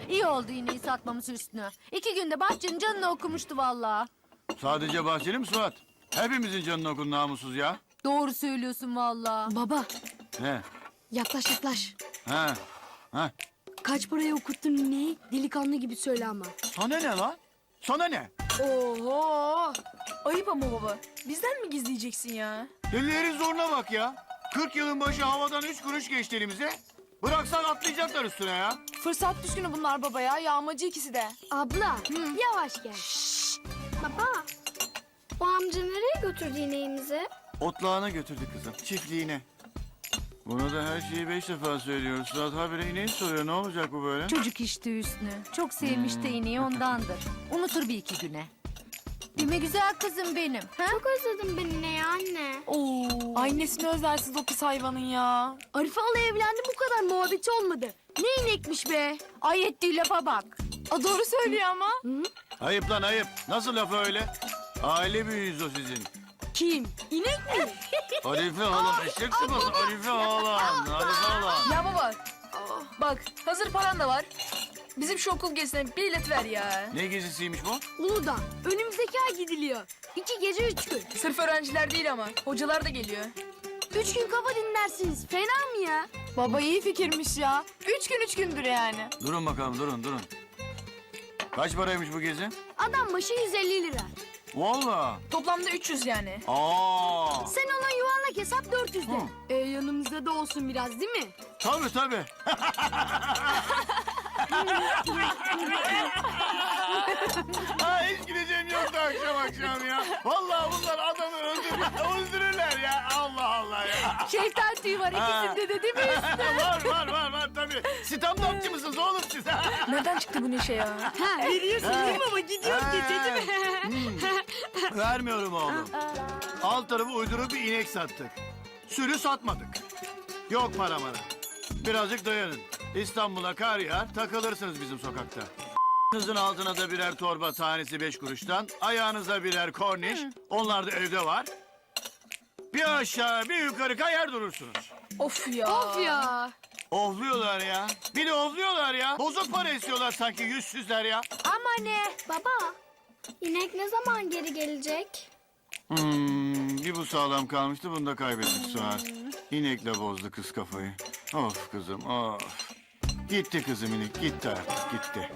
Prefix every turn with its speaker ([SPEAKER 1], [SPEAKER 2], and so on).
[SPEAKER 1] İyi oldu iğneyi satmamız Hüsnü. 2 günde bahçenin canını okumuştu vallahi.
[SPEAKER 2] Sadece bahçeli mi Suat? Hepimizin canını okun namussuz ya.
[SPEAKER 1] Doğru söylüyorsun vallahi.
[SPEAKER 3] Baba
[SPEAKER 2] Ne?
[SPEAKER 3] yaklaş yaklaş.
[SPEAKER 2] Ha? Ha?
[SPEAKER 3] Kaç paraya okuttun ineği? Delikanlı gibi söyle ama.
[SPEAKER 2] Sana ne lan? Sana ne?
[SPEAKER 4] Oho! Ayıp ama baba. Bizden mi gizleyeceksin ya?
[SPEAKER 2] Delilerin zoruna bak ya. 40 yılın başı havadan 3 kuruş geçti elimize. Bıraksan atlayacaklar üstüne ya.
[SPEAKER 4] Fırsat düşkünü bunlar baba ya. Yağmacı ikisi de.
[SPEAKER 3] Abla yavaş gel.
[SPEAKER 5] Baba, o amca nereye götürdü ineğimizi?
[SPEAKER 2] Otlağına götürdü kızım. Çiftliğine. Bunu da her şeyi 5 defa söylüyoruz. Suat habire ineği soruyor. Ne olacak bu böyle?
[SPEAKER 1] Çocuk işte Hüsnü. Çok sevmiş de iğneyi ondandır. Unutur bir iki güne. Değil mi güzel kızım benim? Ha?
[SPEAKER 5] Çok özledim ben ineği anne.
[SPEAKER 4] Oo. Ay nesini özlersiz o pis hayvanın ya.
[SPEAKER 3] Arife hala evlendi bu kadar muhabbeti olmadı. Ne inekmiş be.
[SPEAKER 1] Ay ettiği lafa bak.
[SPEAKER 4] A doğru söylüyor ama.
[SPEAKER 2] Ayıp lan ayıp. Nasıl laf öyle? Aile büyüğüyüz o sizin.
[SPEAKER 3] Kim? İnek mi?
[SPEAKER 2] Arife halam eşek sıması. Arife halam. Arife halam.
[SPEAKER 4] Ya baba. Bak hazır paran da var. Bizim şu okul gezisine bilet ver ya.
[SPEAKER 2] Ne gezisiymiş bu?
[SPEAKER 3] Uludağ. Önümüzdeki ay gidiliyor. 2 gece 3 gün.
[SPEAKER 4] Sırf öğrenciler değil ama. Hocalar da geliyor.
[SPEAKER 3] 3 gün kafa dinlersiniz. Fena mı ya?
[SPEAKER 4] Baba iyi fikirmiş ya. 3 gündür yani.
[SPEAKER 2] Durun bakalım durun. Kaç paraymış bu gezi?
[SPEAKER 3] Adam başı 150 lira.
[SPEAKER 2] Valla.
[SPEAKER 4] Toplamda 300 yani.
[SPEAKER 2] Aa.
[SPEAKER 3] Sen ona yuvarlak hesap 400 de.
[SPEAKER 2] Hı.
[SPEAKER 3] Yanımızda da olsun biraz değil mi?
[SPEAKER 2] Tabii. Ha, hiç gideceğim yoktu akşam ya. Vallahi bunlar adamı öldürürler ya. Allah Allah ya.
[SPEAKER 1] Şeytan tüyü var ikisinde de değil mi?
[SPEAKER 2] var tabii. Stand-upçı mısınız oğlum siz?
[SPEAKER 4] Nereden çıktı bu neşe ya?
[SPEAKER 3] Ha veriyorsun değil mi ama gidiyor gece değil mi?
[SPEAKER 2] Vermiyorum oğlum. Alt tarafı uyduruk bir inek sattık. Sürü satmadık. Yok para. Birazcık dayanın. İstanbul'a kar yağar, takılırsınız bizim sokakta. Kızın altına da birer torba tanesi 5 kuruştan. Ayağınıza birer korniş. Onlar da evde var. Bir aşağı bir yukarı kayar durursunuz.
[SPEAKER 4] Of ya.
[SPEAKER 3] Of ya.
[SPEAKER 2] Ofluyorlar ya. Bir de ofluyorlar ya. Bozuk para istiyorlar sanki yüzsüzler ya.
[SPEAKER 1] Ama ne?
[SPEAKER 5] Baba, inek ne zaman geri gelecek?
[SPEAKER 2] Bir bu sağlam kalmıştı, bunu da kaybettik Suat. İnekle bozdu kız kafayı. Of kızım of. Gitti kızım inek, gitti artık gitti.